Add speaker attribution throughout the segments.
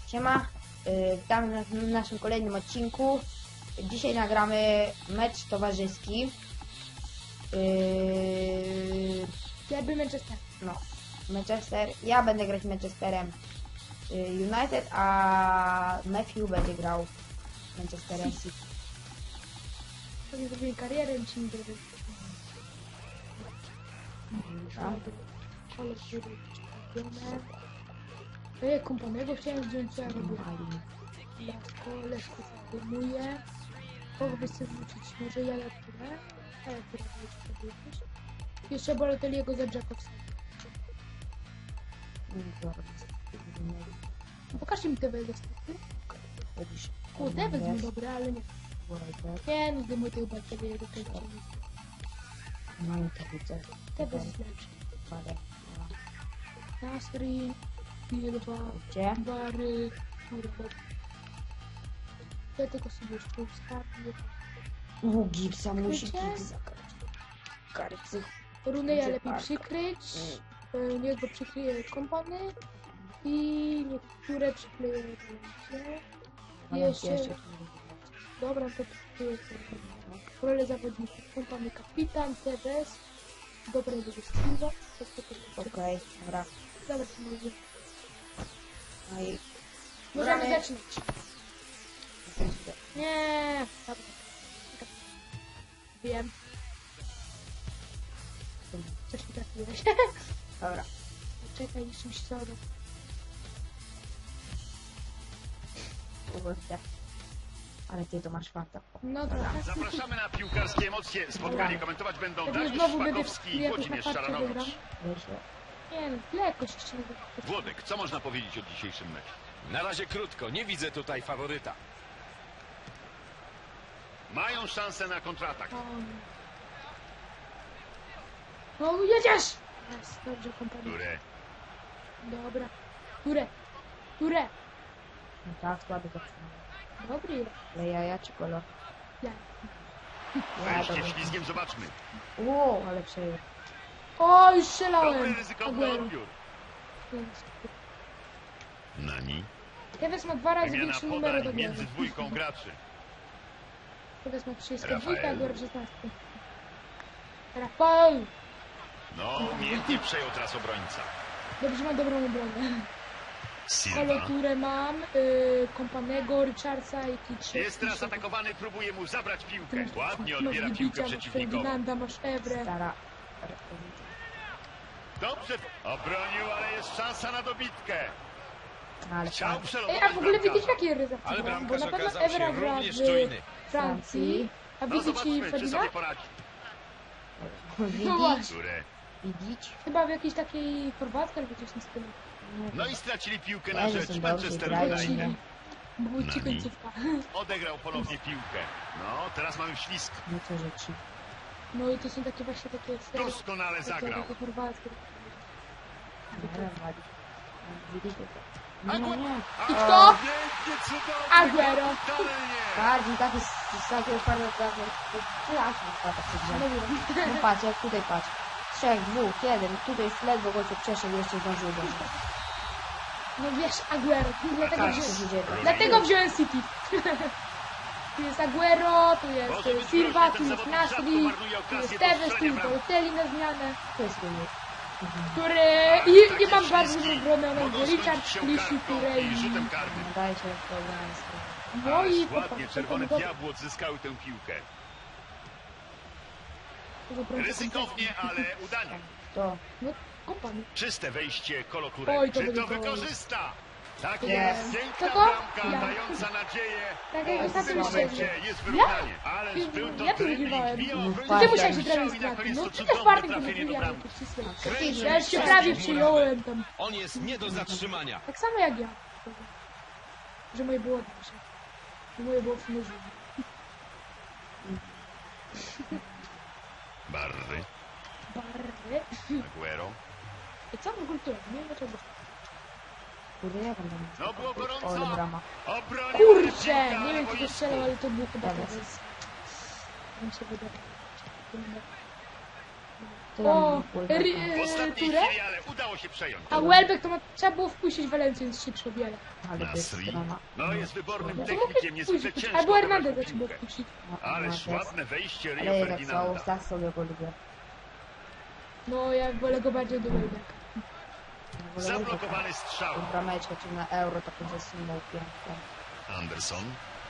Speaker 1: Siema, witamy w naszym kolejnym odcinku. Dzisiaj nagramy mecz towarzyski.
Speaker 2: Jakby Manchester.
Speaker 1: No, Manchester. Ja będę grać Manchesterem United, a Matthew będzie grał Manchesterem City.
Speaker 2: Sobie zrobię karierę i ci nie zrobię. Ale zrobię Kompanego chciałem wziąć, co ja robię. Leszko zdejmuje. Kogo chcę wrócić? Może ja lecę? A jak powiedzieć? Jeszcze Balotelliego za Jacobsa. Pokażcie mi te staty. O, Tevez był dobry, ale nie. Nie, no zdejmuję tego Balotelliego.
Speaker 1: No i to widzę.
Speaker 2: Tevez jest lepszy. Nasri, Bilba,
Speaker 1: Gdzie?
Speaker 2: Bary, kurwa. Ja tylko sobie jeszcze ustawię.
Speaker 1: Gipsa musi
Speaker 2: Krycie?
Speaker 1: Gipsa karcy.
Speaker 2: Runeja
Speaker 1: Gdzie
Speaker 2: lepiej
Speaker 1: park?
Speaker 2: przykryć. Niech go przykryje Kompany. I niektóre przykleję ręce. Jeszcze... Dobra, to przykryję rolę zawodników. Kompany kapitan, Tevez. Dobra, będzie Silva.
Speaker 1: Okej, dobra.
Speaker 2: Dobra, to może.
Speaker 1: No i
Speaker 2: Możemy
Speaker 1: gramy.
Speaker 2: zaczynać. Nie, dobra. Wiem. Coś mi trafiłeś.
Speaker 1: Dobra.
Speaker 2: Czekaj, jeszcze mi się zaraz.
Speaker 1: Kurde. Ale ty to masz farta.
Speaker 2: No trochę.
Speaker 3: Zapraszamy na piłkarskie emocje. Spotkanie komentować będą
Speaker 2: Pewnie
Speaker 3: Dariusz
Speaker 2: znowu będę
Speaker 3: Szpakowski i
Speaker 2: jakoś
Speaker 3: Włodzimierz
Speaker 2: na farcie wygram.
Speaker 3: Szaranowicz.
Speaker 2: Nie no, lekkość jeszcze nie wiem.
Speaker 3: Włodek, co można powiedzieć o dzisiejszym meczu?
Speaker 4: Na razie krótko, nie widzę tutaj faworyta.
Speaker 3: Mają szansę na kontratak.
Speaker 2: No jedziesz! Jest, dobrze, kompania.
Speaker 3: Które
Speaker 2: Dobra. Ture.
Speaker 1: No tak, słaby to
Speaker 2: Dobry.
Speaker 1: ale jaja czy kolor?
Speaker 2: Ja.
Speaker 3: wejście ślizgiem zobaczmy.
Speaker 1: Ale przejął.
Speaker 2: O, już
Speaker 3: Dobry,
Speaker 2: strzelałem.
Speaker 3: ryzykowny
Speaker 2: Aguero.
Speaker 3: odbiór. Nani.
Speaker 2: Tevez ma 2 razy
Speaker 3: Wymiana
Speaker 2: większy numer od
Speaker 3: podań między
Speaker 2: Aguero.
Speaker 3: dwójką graczy.
Speaker 2: Tevez ma 32,
Speaker 3: Rafael.
Speaker 2: Aguero 16. Rafael!
Speaker 3: No, umiejętnie przejął teraz obrońca.
Speaker 2: Dobrze, mam dobrą obronę.
Speaker 3: Silva.
Speaker 2: Koloturę mam, Kompanego, Richardsa i Kitsch.
Speaker 3: Jest teraz atakowany, próbuje mu zabrać piłkę. Ładnie odbiera piłkę przeciwnikowi.
Speaker 2: Ferdynanda, masz Evrę.
Speaker 1: Stara.
Speaker 3: Dobrze obronił, ale jest szansa na dobitkę.
Speaker 1: Ale
Speaker 3: Chciał
Speaker 1: fajnie.
Speaker 3: przelotować
Speaker 2: A w ogóle
Speaker 3: bramkarza.
Speaker 2: widzisz jakie ryza
Speaker 4: Ale
Speaker 2: Bo
Speaker 4: bramkarz
Speaker 2: na pewno
Speaker 4: okazał się
Speaker 2: Evra gra
Speaker 4: również
Speaker 2: w
Speaker 4: czujny.
Speaker 2: Francji. A
Speaker 3: No
Speaker 2: widzicie
Speaker 3: zobaczmy, czy
Speaker 2: Ferdynand?
Speaker 3: sobie poradzi.
Speaker 2: No właśnie.
Speaker 3: Które
Speaker 1: Widzieć?
Speaker 2: Chyba w jakiejś takiej Chorwatce albo coś na stylu.
Speaker 3: No i stracili piłkę
Speaker 1: Ja
Speaker 3: na
Speaker 1: nie
Speaker 3: rzecz
Speaker 1: są
Speaker 3: Manchester
Speaker 1: dobrzy, grają,
Speaker 3: United.
Speaker 1: nie?
Speaker 2: Bo ci
Speaker 3: Nani.
Speaker 2: końcówka.
Speaker 3: Odegrał ponownie piłkę. No, teraz mamy ślizg.
Speaker 1: No co rzeczy.
Speaker 2: No i to są takie właśnie takie serie.
Speaker 3: Doskonale zagrał.
Speaker 2: Takie chorwackie.
Speaker 1: Widzicie to? Nie, nie.
Speaker 2: I kto?
Speaker 3: Pięknie, cudownie.
Speaker 2: Aguero.
Speaker 3: Totalnie.
Speaker 1: Bardziej taki z takiego farta trafię. Strasznie spada przed grze. No patrz, jak tutaj patrz. 3, 2, 1. Tutaj jest ledwo gościu przeszedł, jeszcze zdążył do mnie.
Speaker 2: No wiesz, Aguero. Dlatego
Speaker 1: Tak, co
Speaker 2: wziąłem,
Speaker 1: się dzieje.
Speaker 2: dlatego wziąłem City. Tu jest Aguero, tu
Speaker 3: Może
Speaker 2: jest
Speaker 3: być
Speaker 2: Silva,
Speaker 3: groźny,
Speaker 2: tu
Speaker 3: ten
Speaker 2: jest
Speaker 3: zawodnik rzadko
Speaker 2: Nasri,
Speaker 3: marnuje
Speaker 2: tu
Speaker 3: okazję
Speaker 2: jest
Speaker 3: do
Speaker 2: Tevez, tu
Speaker 3: strzelenia
Speaker 2: jest
Speaker 3: bramki.
Speaker 2: Balotelli na zmianę.
Speaker 1: To jest wynik.
Speaker 2: Który... I mam
Speaker 3: Takie
Speaker 2: bardzo
Speaker 3: ślizgi
Speaker 2: dobrą obronę.
Speaker 3: mogą
Speaker 2: Richard,
Speaker 3: skończyć się
Speaker 2: Clichy,
Speaker 3: kartką
Speaker 2: Touré
Speaker 3: i rzutem
Speaker 2: i...
Speaker 3: karnym.
Speaker 1: Daje się problem.
Speaker 2: No i
Speaker 3: Ależ ładnie
Speaker 2: popatrz,
Speaker 3: czerwone
Speaker 2: to-
Speaker 3: diabły odzyskały tę piłkę.
Speaker 2: to-
Speaker 3: Ryzykownie, ale udanie.
Speaker 1: To.
Speaker 2: No, kompany.
Speaker 3: Czyste wejście Koloturek.
Speaker 2: Oj, to
Speaker 3: Czy to
Speaker 2: będzie gol.
Speaker 3: wykorzysta? Tak
Speaker 1: Jest.
Speaker 3: jest. Piękna
Speaker 2: Co to?
Speaker 3: bramka,
Speaker 2: Ja.
Speaker 3: dająca nadzieję.
Speaker 2: Tak jak
Speaker 3: O, w
Speaker 2: ostatnio
Speaker 3: tym
Speaker 2: myślałem.
Speaker 3: momencie jest wyrównanie. Ależ był to
Speaker 2: Ja tu
Speaker 3: dribbling,
Speaker 2: wygrywałem.
Speaker 3: wbijał
Speaker 1: No
Speaker 3: obrońcę
Speaker 1: tak,
Speaker 2: Ty
Speaker 3: w
Speaker 2: musiałeś się
Speaker 3: strzał
Speaker 2: prawie
Speaker 3: i na koniec
Speaker 2: stracić. No
Speaker 3: to
Speaker 2: przecież
Speaker 3: cudowne
Speaker 2: Bartek nie
Speaker 3: trafienie do
Speaker 2: wygrał.
Speaker 3: bramki.
Speaker 2: Ja już się prawie przyjąłem tam.
Speaker 4: On jest nie do zatrzymania.
Speaker 2: Tak samo jak ja. Że moje było dobrze. Że moje było w sumie żywe.
Speaker 3: Barry,
Speaker 2: Barry.
Speaker 3: Aguero.
Speaker 2: I co w ogóle tu? Nie wiem dlaczego.
Speaker 1: Kurde, jak on tam.
Speaker 3: No było gorąco.
Speaker 1: O, ale brama.
Speaker 3: Obronił
Speaker 2: Kurczę!
Speaker 3: piłkę,
Speaker 2: Nie wiem
Speaker 3: bo
Speaker 2: czy to
Speaker 3: jest
Speaker 2: strzelał, ale to było chyba
Speaker 1: Tevez.
Speaker 2: Tevez. Mi się wydaje.
Speaker 1: To tam
Speaker 2: O,
Speaker 1: Welbecka.
Speaker 3: W ostatniej
Speaker 2: Ture?
Speaker 3: chwili, ale udało się przejąć.
Speaker 2: A Welbeck to trzeba było wpuścić Walencję, jest szybszy o wiele.
Speaker 1: Ale to jest
Speaker 3: Nasri.
Speaker 1: strona.
Speaker 3: No, jest wybornym
Speaker 1: To
Speaker 3: technikiem, niezwykle
Speaker 2: Wpuścić,
Speaker 3: ciężko
Speaker 2: albo
Speaker 3: odebrać
Speaker 2: Hernandez
Speaker 3: mu
Speaker 2: trzeba było
Speaker 3: piłkę.
Speaker 2: wpuścić.
Speaker 3: Ależ ładne wejście
Speaker 1: Ale
Speaker 3: Rio
Speaker 1: jednak
Speaker 3: Ferdinanda.
Speaker 1: za sobie go lubię.
Speaker 2: No, ja wolę go bardziej do Welbecka.
Speaker 1: Ja wolę
Speaker 3: Zablokowany strzał.
Speaker 1: tą brameczkę, czy na euro taką zasunął piękną.
Speaker 3: Anderson.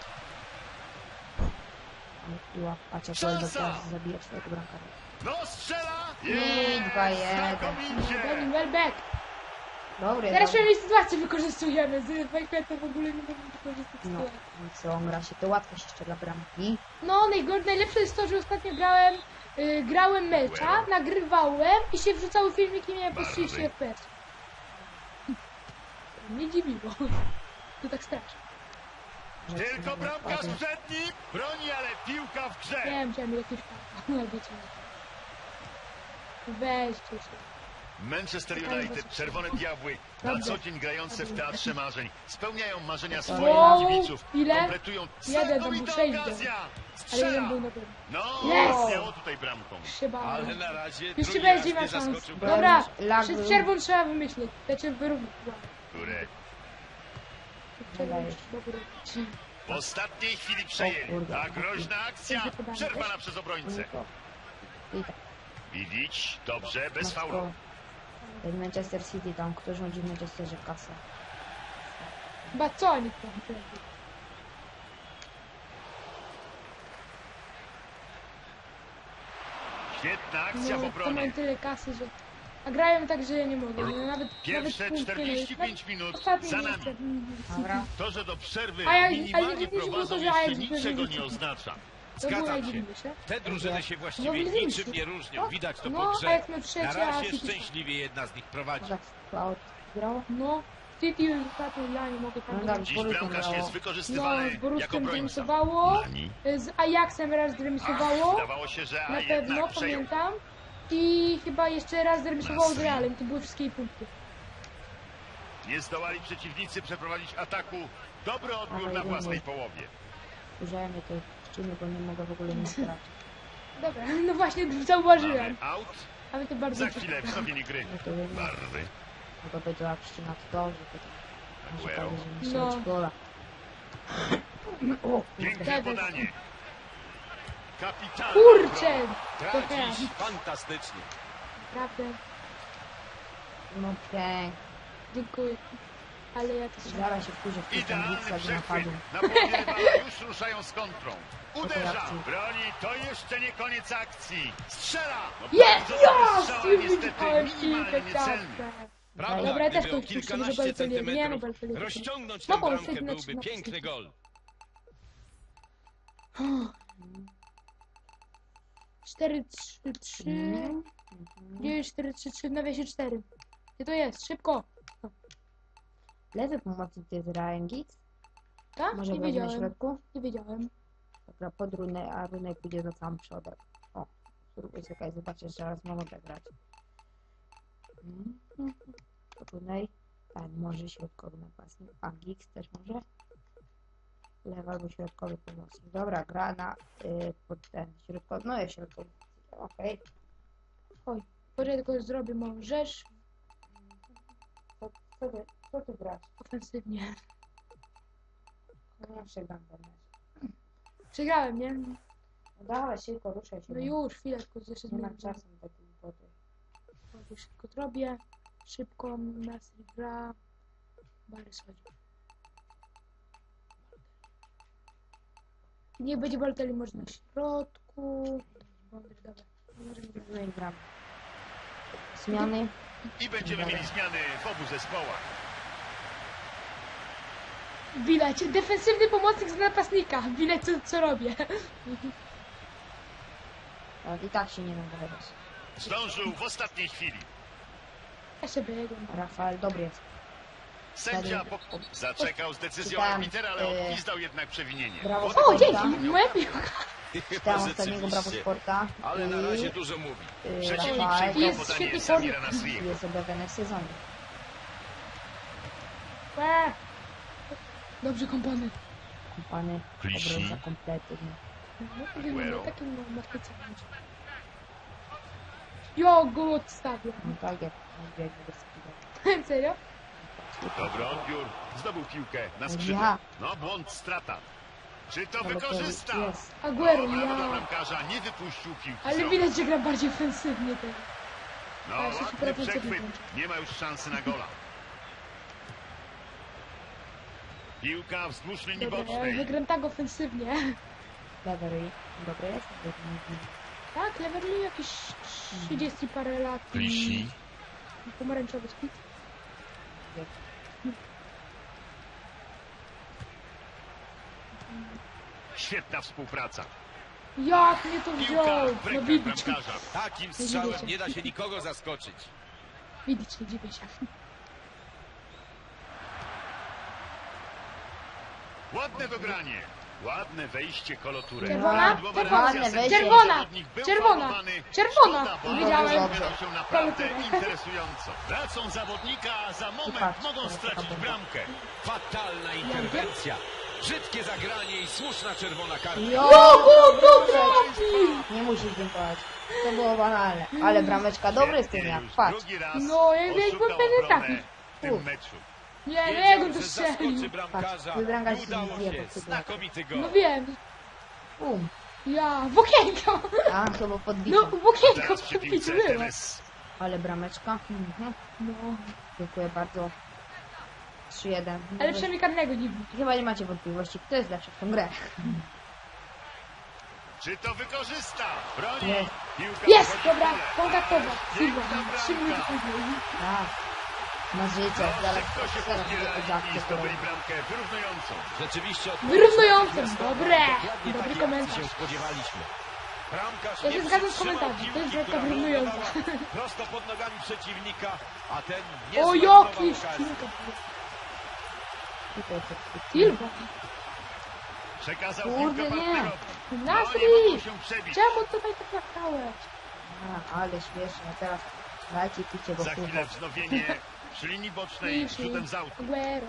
Speaker 1: Ale piła, patrz jak
Speaker 3: Szansa!
Speaker 1: Welbeck teraz zabija swojego bramkarza.
Speaker 3: No, strzela!
Speaker 1: I 2-1.
Speaker 3: Znakomicie!
Speaker 2: Denis Welbeck!
Speaker 1: Dobry,
Speaker 2: Teraz
Speaker 1: dobry.
Speaker 2: przynajmniej sytuację wykorzystujemy. Z Wajkwetem w ogóle nie będziemy wykorzystać
Speaker 1: No,
Speaker 2: sytuacji.
Speaker 1: i co, on gra się to łatwość jeszcze dla bramki.
Speaker 2: No, najlepsze jest to, że ostatnio grałem mecza, nagrywałem i się wrzucały filmiki i miałem po 30 FPS. Mnie dziwiło. To tak strasznie.
Speaker 3: Tylko bramkarz przed nim broni, ale piłka w grze.
Speaker 2: Wiem, chciałem jakieś parę. Albo co. Weźcie się.
Speaker 3: Manchester United, Czerwone Diabły, na
Speaker 2: Dobrze.
Speaker 3: co dzień grające w Teatrze Marzeń, spełniają marzenia swoich
Speaker 2: Wow,
Speaker 3: kibiców,
Speaker 2: ile?
Speaker 3: kompletują
Speaker 2: Jeden, to był
Speaker 3: znakomita
Speaker 2: 6
Speaker 3: okazja.
Speaker 2: Ale jeden
Speaker 3: Strzela!
Speaker 2: był na pewno.
Speaker 3: No,
Speaker 2: Yes!
Speaker 3: miało tutaj bramką.
Speaker 2: Się bałem.
Speaker 4: Ale na razie
Speaker 2: Już ci
Speaker 4: drugi raz
Speaker 2: będzie
Speaker 4: nie
Speaker 2: ma szans.
Speaker 4: zaskoczył.
Speaker 2: Dobra,
Speaker 1: Lag
Speaker 2: przed
Speaker 1: był.
Speaker 2: przerwą trzeba wymyślić. Znaczy wyrównać.
Speaker 3: Które
Speaker 2: Przed przerwą
Speaker 1: Wydaje się.
Speaker 2: trzeba wyrównać.
Speaker 3: w ostatniej chwili
Speaker 1: O
Speaker 3: przejęli.
Speaker 1: kurde.
Speaker 3: Ta groźna akcja przerwana przez obrońcę.
Speaker 1: I tak.
Speaker 3: Widzieć, dobrze, bez
Speaker 1: Matko,
Speaker 3: faulu.
Speaker 1: jak Manchester City tam, kto rządzi w Manchesterze kasę.
Speaker 2: Chyba co oni tam robią?
Speaker 3: Świetna akcja w
Speaker 2: No, to
Speaker 3: obronie.
Speaker 2: mają tyle kasy, że... A grają tak, że ja nie mogę. No,
Speaker 3: Pierwsze
Speaker 2: nawet punkt nie
Speaker 3: 45
Speaker 2: mieli.
Speaker 3: minut
Speaker 2: Ostatni
Speaker 3: za
Speaker 2: jeszcze.
Speaker 3: nami.
Speaker 1: Dobra.
Speaker 3: To, że do przerwy
Speaker 2: Ale
Speaker 3: minimalnie
Speaker 2: nie było to,
Speaker 3: prowadzą
Speaker 2: że
Speaker 3: jeszcze
Speaker 2: Ajax
Speaker 3: niczego
Speaker 2: wygrał.
Speaker 3: nie oznacza.
Speaker 2: To było
Speaker 4: Zgadzam się.
Speaker 2: najdziwniejsze.
Speaker 4: Te drużyny się
Speaker 2: No,
Speaker 4: właściwie
Speaker 2: widzieliście.
Speaker 4: niczym nie różnią. Widać to
Speaker 2: No,
Speaker 4: po
Speaker 2: a
Speaker 4: grze.
Speaker 2: jak my trzecie,
Speaker 4: Na
Speaker 2: a
Speaker 4: razie
Speaker 2: City-
Speaker 4: szczęśliwie jedna z nich prowadzi.
Speaker 1: Tak, Cloud grał.
Speaker 2: No, City już ostatnio ja nie mogę tam
Speaker 1: No
Speaker 2: grać.
Speaker 1: dobrze.
Speaker 3: Dziś
Speaker 1: Borussią
Speaker 3: bramkarz
Speaker 1: grało.
Speaker 3: jest
Speaker 2: No,
Speaker 3: wykorzystywany
Speaker 2: z
Speaker 3: jako
Speaker 2: Borussią
Speaker 3: obrońca.
Speaker 2: zremisowało,
Speaker 3: Nani.
Speaker 2: z Ajaxem raz zremisowało,
Speaker 3: Wydawało się, że
Speaker 2: na
Speaker 3: a
Speaker 2: pewno,
Speaker 3: jednak przejął.
Speaker 2: pamiętam. I chyba jeszcze raz zremisowało z
Speaker 3: Nasri.
Speaker 2: Realem, to były wszystkie punkty.
Speaker 3: Nie zdołali przeciwnicy przeprowadzić ataku. Dobry odbiór
Speaker 1: Ale
Speaker 3: na
Speaker 1: nie
Speaker 3: własnej
Speaker 1: mój.
Speaker 3: połowie.
Speaker 1: Użyłem mnie tej ściny, bo nie mogę w ogóle nic grać.
Speaker 2: Dobra, no właśnie zauważyłem.
Speaker 3: Mamy out.
Speaker 2: Ale to bardzo
Speaker 3: Za chwilę wznowienie gry.
Speaker 1: No to wiem,
Speaker 3: Barwy.
Speaker 1: mogę być jak ścina to dobrze, to tak. Może
Speaker 3: Aguero.
Speaker 1: powie, że nie
Speaker 2: No.
Speaker 1: strzelić gola. O,
Speaker 3: Piękne
Speaker 2: Tevez.
Speaker 3: podanie. Kapitalna
Speaker 2: Kurczę!
Speaker 3: obrona.
Speaker 2: To
Speaker 4: Gra
Speaker 2: teraz,
Speaker 4: dziś fantastycznie.
Speaker 2: naprawdę,
Speaker 1: no pięknie.
Speaker 2: dziękuję. Ale ja to
Speaker 1: Zaraz się wkurzę w tych
Speaker 3: Idealny
Speaker 1: ambicjach
Speaker 3: przechwyt.
Speaker 1: napadu.
Speaker 3: Na połowie rywala już ruszają z kontrą. Uderza.
Speaker 1: akcji.
Speaker 3: Broni. To jeszcze nie koniec akcji. Strzela. No
Speaker 2: Jest!
Speaker 3: bardzo dobry
Speaker 2: Ja!
Speaker 3: strzał, ale niestety
Speaker 2: Wyciąłem
Speaker 3: minimalnie
Speaker 2: piłkę,
Speaker 3: niecelny.
Speaker 2: tak.
Speaker 4: Prawda,
Speaker 2: Dobra, ja też
Speaker 4: gdyby o
Speaker 2: kogoś puszczę,
Speaker 4: kilkanaście
Speaker 2: żeby Balotelli- nie, no,
Speaker 4: centymetrów
Speaker 2: Balotelli to-
Speaker 4: rozciągnąć
Speaker 2: No,
Speaker 4: tę
Speaker 2: bo
Speaker 4: bramkę
Speaker 2: wtedy na
Speaker 4: byłby
Speaker 2: 13.
Speaker 4: piękny gol.
Speaker 2: 4-3-3. Gdzie jest 4-3-3 w nawiasie 4? Gdzie to jest? Szybko!
Speaker 1: Lewy pomocnik to jest Ryan Giggs.
Speaker 2: Tak?
Speaker 1: Może
Speaker 2: Nie
Speaker 1: grać na
Speaker 2: wiedziałem.
Speaker 1: środku?
Speaker 2: Nie wiedziałem.
Speaker 1: Dobra, pod runę, a Runek pójdzie za sam przodem. O, spróbuj czekaj, zobaczę, że raz mogę grać. Runej, tak, może środkowy napastnik, a Giggs też może? Lewy albo środkowy pomocnik. Dobra, gra na pod ten środkowy, no jest środkowy. Okej.
Speaker 2: Oj, może tylko zrobię małą rzecz
Speaker 1: Co ty grasz?
Speaker 2: ofensywnie.
Speaker 1: No ja przegram ten mecz.
Speaker 2: Przegrałem, nie?
Speaker 1: No dawaj, szybko, ruszaj się.
Speaker 2: No już, chwilę, tylko jeszcze
Speaker 1: Nie ma
Speaker 2: zmienię.
Speaker 1: czasu na takie głupoty.
Speaker 2: Już szybko to robię. Szybko, Nasri gra. Barys chodzi. Niech będzie Balotelli może na środku. Mądry, dobra. Możemy grać.
Speaker 1: No i gram. Zmiany.
Speaker 3: I będziemy mieli zmiany w obu zespołach.
Speaker 2: Widać, defensywny pomocnik z napastnika. Widać co robię.
Speaker 1: Tak, i tak się nie nagrywać.
Speaker 3: Zdążył w ostatniej chwili.
Speaker 2: Ja się biegłem.
Speaker 1: Rafael dobry jest.
Speaker 3: Sędzia zaczekał z decyzją
Speaker 1: Czytałem,
Speaker 3: arbitera, ale odgwizdał jednak przewinienie.
Speaker 1: Brawo.
Speaker 2: O, dzięki! Moja piłka.
Speaker 1: Czytałem ostatniego Brawo
Speaker 4: Rzeczywiście.
Speaker 1: Sporta.
Speaker 4: Ale na razie dużo mówi.
Speaker 3: Przeciwnik
Speaker 1: Rafael
Speaker 3: przyjmuje
Speaker 2: jest
Speaker 3: podanie
Speaker 2: świetny
Speaker 3: Samira
Speaker 2: kornik.
Speaker 3: Nasriego.
Speaker 1: jest objawiony w sezonie.
Speaker 2: Dobrze, kompany.
Speaker 1: Kompany,
Speaker 3: Clichy.
Speaker 1: obrońca kompletny.
Speaker 2: No,
Speaker 3: Aguero.
Speaker 2: takim marketingiem. Ja go odstawiam.
Speaker 1: No tak jak on biegnie bez skilla.
Speaker 2: Serio?
Speaker 3: Dobry odbiór. Zdobył piłkę na skrzydle.
Speaker 1: Ja.
Speaker 3: No błąd, strata. Czy to
Speaker 1: Ale to
Speaker 3: wykorzysta?
Speaker 1: jest.
Speaker 2: Aguero,
Speaker 3: Brawo dla
Speaker 2: ja.
Speaker 3: bramkarza, nie wypuścił piłki.
Speaker 2: Ale
Speaker 3: z rąk.
Speaker 2: widać, że gra bardziej ofensywnie teraz.
Speaker 3: No
Speaker 2: Ale się
Speaker 3: ładny
Speaker 2: super
Speaker 3: przechwyt.
Speaker 2: ofensywnie.
Speaker 3: Nie ma już szansy na gola. Piłka wzdłuż linii
Speaker 2: Dobra, ja
Speaker 3: bocznej.
Speaker 2: wygram tak ofensywnie.
Speaker 1: Levery. Dobry jest?
Speaker 2: Tak, Leverly jakieś 30 parę lat
Speaker 3: Lisi.
Speaker 2: i pomarańczowy spit.
Speaker 3: Świetna współpraca.
Speaker 2: Jak mnie to
Speaker 3: Piłka
Speaker 2: wziął?
Speaker 3: w
Speaker 2: No
Speaker 3: rękach
Speaker 2: widzicie,
Speaker 3: bramkarza.
Speaker 4: Takim
Speaker 2: widzicie.
Speaker 4: strzałem nie da się nikogo zaskoczyć.
Speaker 2: widzicie, dziwię się.
Speaker 3: Ładne dogranie. Ładne wejście kolotury.
Speaker 2: Czerwona?
Speaker 3: Prawidłowa
Speaker 2: Czerwona.
Speaker 3: reakcja sędziego.
Speaker 2: Czerwona.
Speaker 3: Zawodnik był
Speaker 2: Czerwona.
Speaker 3: faulowany.
Speaker 2: Czerwona.
Speaker 3: Szkoda, bo
Speaker 2: Wiedziałem.
Speaker 3: rozegrał się naprawdę
Speaker 2: Koloturę.
Speaker 3: interesująco. Tracą zawodnika, a za moment
Speaker 1: patrz,
Speaker 3: mogą
Speaker 1: to
Speaker 3: stracić
Speaker 1: taka
Speaker 3: bramkę.
Speaker 4: Fatalna interwencja. Brzydkie zagranie i słuszna czerwona kartka.
Speaker 1: Jo!
Speaker 2: to trafi!
Speaker 1: Nie musisz dziękować. To było banalne. Ale brameczka dobry jest ten jak.
Speaker 3: Już
Speaker 1: Patrz.
Speaker 3: drugi raz
Speaker 2: No, jakby
Speaker 3: oszukał
Speaker 2: pewnie
Speaker 3: obronę
Speaker 2: trafił.
Speaker 3: w tym meczu.
Speaker 2: Nie, nie,
Speaker 4: Wiedział,
Speaker 2: go to
Speaker 4: że zaskoczy
Speaker 2: strzelił.
Speaker 4: bramkarza
Speaker 1: Patrz, bramkarz
Speaker 4: i
Speaker 1: się
Speaker 4: udało
Speaker 1: zjebał
Speaker 4: się.
Speaker 1: chyba.
Speaker 4: Znakomity gol.
Speaker 2: No wiem. Ja, w okienko!
Speaker 1: A, chyba podbito.
Speaker 2: No, w okienko
Speaker 3: Teraz przy
Speaker 2: podbić
Speaker 3: piłce
Speaker 2: było.
Speaker 3: Teres.
Speaker 1: Ale brameczka. Mhm.
Speaker 2: No,
Speaker 1: Dziękuję bardzo. 3-1.
Speaker 2: ale przynajmniej karnego nie było.
Speaker 1: Chyba nie macie wątpliwości, kto jest lepszy w tą grę.
Speaker 3: Czy to wykorzysta? Broni.
Speaker 1: Jest.
Speaker 3: Piłka
Speaker 2: Jest!
Speaker 3: wchodzi w
Speaker 2: Dobra,
Speaker 3: pole.
Speaker 2: kontaktowa. Silva,
Speaker 3: Piękna
Speaker 2: 3 minuty
Speaker 3: bramka.
Speaker 2: później.
Speaker 1: Tak. Na życie. Zaraz
Speaker 3: Szybko się
Speaker 1: zaraz
Speaker 3: podbierali i
Speaker 1: to
Speaker 3: zdobyli bramkę wyrównującą.
Speaker 4: Rzeczywiście
Speaker 2: Wyrównującym.
Speaker 4: odpowiedź
Speaker 2: Dobre.
Speaker 4: dokładnie
Speaker 2: Dobry
Speaker 4: takiej
Speaker 2: komentarz.
Speaker 4: akcji się spodziewaliśmy. Bramkarz
Speaker 2: Ja
Speaker 4: nie
Speaker 2: się zgadzam z
Speaker 4: przytrzymał
Speaker 2: komentarzem. To jest
Speaker 4: piłki,
Speaker 2: bramka
Speaker 4: która
Speaker 2: wyrównująca.
Speaker 4: wylądowała prosto pod nogami przeciwnika, a ten nie
Speaker 2: O,
Speaker 4: zmarnował
Speaker 2: jakiś
Speaker 4: okazji.
Speaker 2: Silva.
Speaker 3: Przekazał
Speaker 1: Kurde,
Speaker 3: piłkę
Speaker 1: nie.
Speaker 3: partnerowi. No, nie
Speaker 2: Nasri!
Speaker 3: mogą się przebić.
Speaker 2: Czemu tutaj tak latałeś?
Speaker 1: Ale śmieszne. Teraz dajcie picie, bo
Speaker 3: Za chwilę
Speaker 1: kurwa.
Speaker 3: wznowienie przy linii bocznej rzutem z autu.
Speaker 2: Aguero.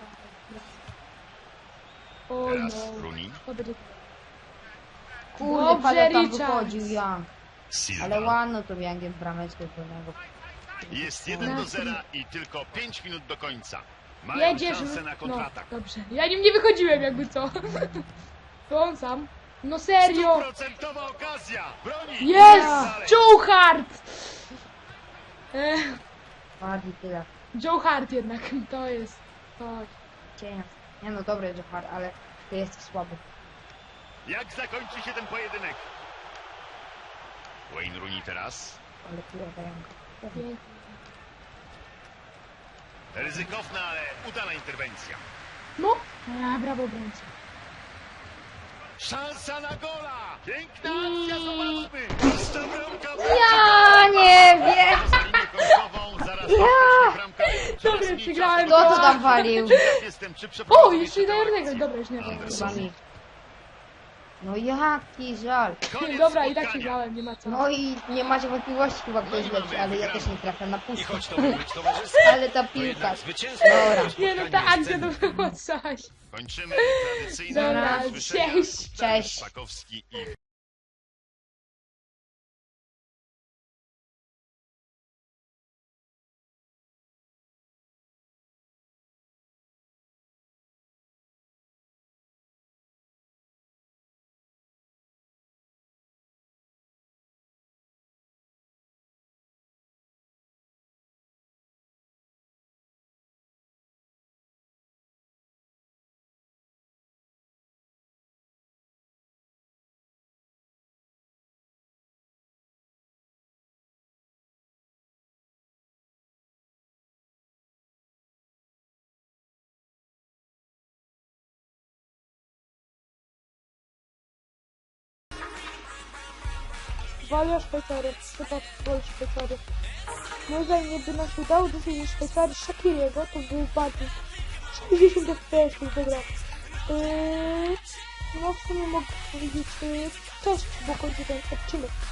Speaker 2: O
Speaker 3: Teraz
Speaker 2: no.
Speaker 3: Rooney.
Speaker 2: To będzie...
Speaker 1: Kurde,
Speaker 2: Dobrze,
Speaker 1: Paweł tam
Speaker 2: Richards.
Speaker 1: wychodził, Young. Ale
Speaker 3: Silva.
Speaker 1: ładno to Youngiem brameczkę pełnego.
Speaker 3: Jest 1-0 i tylko 5 minut do końca. Mają
Speaker 2: Jedziesz.
Speaker 3: szansę na kontratak.
Speaker 2: No, dobrze. Ja nim nie wychodziłem jakby co. To on sam. No serio.
Speaker 3: 100% okazja. Broni.
Speaker 2: Jest!
Speaker 3: Dalej.
Speaker 2: Joe Hart!
Speaker 1: Bardziej tyle.
Speaker 2: Joe Hart jednak. To jest... To...
Speaker 1: Cienia. Nie no, dobry Johar, ale ty jesteś słaby.
Speaker 3: Jak zakończy się ten pojedynek? Wayne Rooney teraz.
Speaker 1: Ale kurwa Young.
Speaker 2: Pięknie.
Speaker 3: Ryzykowna, ale udana interwencja.
Speaker 2: No. A, brawo obrońca.
Speaker 3: Szansa na gola! Piękna akcja, zobaczmy! Pusta bramka!
Speaker 1: Ja nie wiem!
Speaker 3: Poza linię końcową, zaraz rozpocznie bramka.
Speaker 2: Dobra,
Speaker 3: Coraz mniej
Speaker 2: przegrałem.
Speaker 3: czasu.
Speaker 1: Kto to tam walił?
Speaker 3: Ciekaw jestem, czy
Speaker 2: O,
Speaker 3: przeprowadzą
Speaker 2: jeszcze
Speaker 3: tę
Speaker 2: daję
Speaker 3: akcję.
Speaker 2: Dobra, już nie wiem.
Speaker 3: Anderson.
Speaker 1: Chyba mi. No jaki żal.
Speaker 3: Koniec
Speaker 2: Dobra, i tak
Speaker 3: spotkania.
Speaker 2: przegrałem, nie ma co.
Speaker 1: No i nie macie wątpliwości chyba kto jest
Speaker 3: No i
Speaker 1: lepszy,
Speaker 3: mamy
Speaker 1: ale ja
Speaker 3: wygraną.
Speaker 1: też nie trafiam na
Speaker 4: I
Speaker 1: pusto.
Speaker 4: choć to miał być towarzystwo,
Speaker 1: Ale ta
Speaker 4: to
Speaker 1: piłka.
Speaker 4: jednak zwycięstwo
Speaker 1: Dobra.
Speaker 4: tego
Speaker 2: Nie no, ta
Speaker 4: spotkania jest
Speaker 2: akcja to
Speaker 4: cenne.
Speaker 2: było coś.
Speaker 3: Kończymy tradycyjne
Speaker 2: Dobra,
Speaker 3: usłyszenia.
Speaker 2: cześć.
Speaker 1: Cześć.
Speaker 3: Szpakowski i
Speaker 2: Walia Szwajcarii, chyba woli Szwajcarii. Może nie by nam się udało dowiedzieć Szwajcarii Shaqiriego, to był bardzo 60 FPS wygrał. No w sumie mogę powiedzieć cześć, bo kończę ten odcinek.